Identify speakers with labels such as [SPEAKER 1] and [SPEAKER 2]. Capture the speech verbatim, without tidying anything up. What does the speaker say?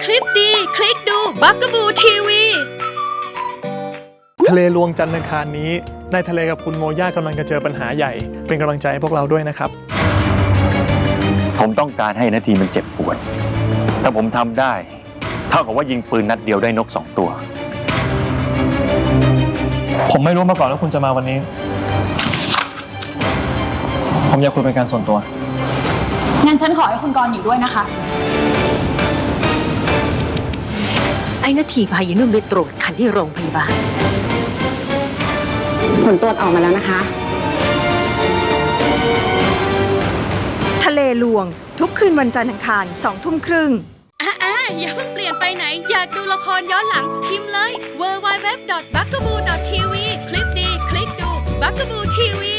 [SPEAKER 1] คลิปดีคลิกดูบักกะบูทีวี
[SPEAKER 2] ทะเลลวงจันทร์อังคารนี้ในทะเลกับคุณโมย่ากำลังจะเจอปัญหาใหญ่เป็นกำลังใจให้พวกเราด้วยนะครับ
[SPEAKER 3] ผมต้องการให้นาทีมันเจ็บปวดถ้าผมทำได้เท่ากับว่ายิงปืนนัดเดียวได้นกสองตัว
[SPEAKER 2] ผมไม่รู้มาก่อนว่าคุณจะมาวันนี้ผมอยากคุยเป็นการส่วนตัว
[SPEAKER 4] งั้นฉันขอให้คุณกรณ์อยู่ด้วยนะคะ
[SPEAKER 5] ไอ้นาทีพายินุ่นไปตรวจคันที่โรงพยาบาล
[SPEAKER 6] ผลตรวจออกมาแล้วนะคะ
[SPEAKER 7] ทะเลลวงทุกคืนวันจันทร์อังคารสองทุ่มครึ่ง
[SPEAKER 1] อ่าอย่าเพิ่งเปลี่ยนไปไหนอยากดูละครย้อนหลังพิมพ์เลย ดับเบิลยู ดับเบิลยู ดับเบิลยู ดอท บักกะบู ดอท ที วี คลิปดีคลิกดูบักกะบูทีวี